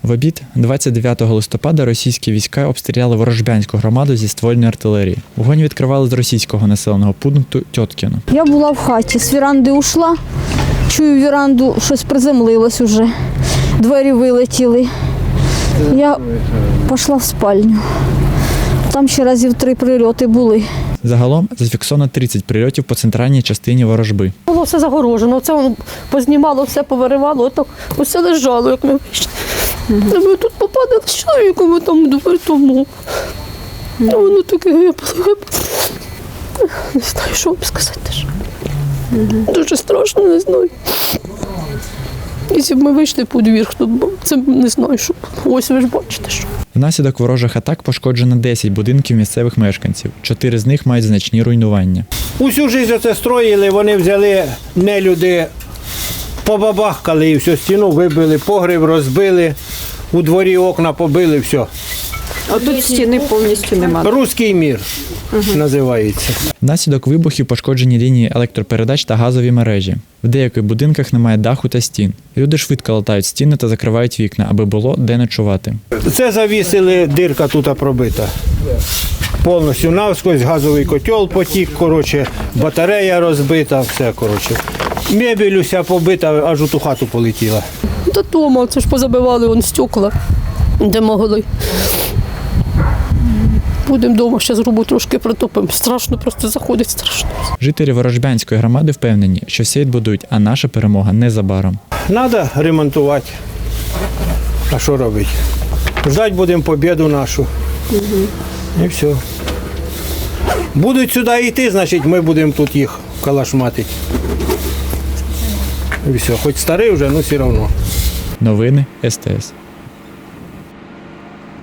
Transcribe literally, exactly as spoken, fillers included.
В обід двадцять дев'ятого листопада російські війська обстріляли Ворожбянську громаду зі ствольної артилерії. Вогонь відкривали з російського населеного пункту Тьоткіно. Я була в хаті, з віранди ушла, чую віранду, щось приземлилось уже, двері вилетіли. Я пішла в спальню. Там ще разів три прильоти були. Загалом зафіксовано тридцять прильотів по центральній частині ворожби. Було все загорожено, це воно познімало, все повиривало, так усе лежало, як ми вийшли. Mm-hmm. Ми тут попадали з чоловіком, там двері тому. Mm-hmm. Воно таке гибло. Не знаю, що вам сказати. Mm-hmm. Дуже страшно, не знаю. Якщо б ми вийшли по двір, то це не знаю, що. Ось ви ж бачите, що. Внаслідок ворожих атак пошкоджено десять будинків місцевих мешканців. Чотири з них мають значні руйнування. Усю життя це строїли, вони взяли нелюди, побабахкали і всю стіну вибили, погріб розбили, у дворі окна побили, все. А тут стіни повністю немає. Руський мір угу. називається. Внаслідок вибухів пошкоджені лінії електропередач та газові мережі. В деяких будинках немає даху та стін. Люди швидко латають стіни та закривають вікна, аби було де ночувати. Це завісили, дирка тут пробита. Повністю навскось, газовий котел потік, коротше, батарея розбита, все, коротше. Мебель уся побита, аж у ту хату полетіла. Та дома, це ж позабивали вон стекла, де могли. Будемо вдома, ще зробу трошки притопимо. Страшно, просто заходить страшно. Жителі Ворожбянської громади впевнені, що все відбудують, а наша перемога незабаром. Треба ремонтувати. А що робити? Ждать будемо побіду нашу. Угу. І все. Будуть сюди йти, значить ми будемо тут їх калашматити. І все. Хоч старий вже, але все одно. Новини ес те ес.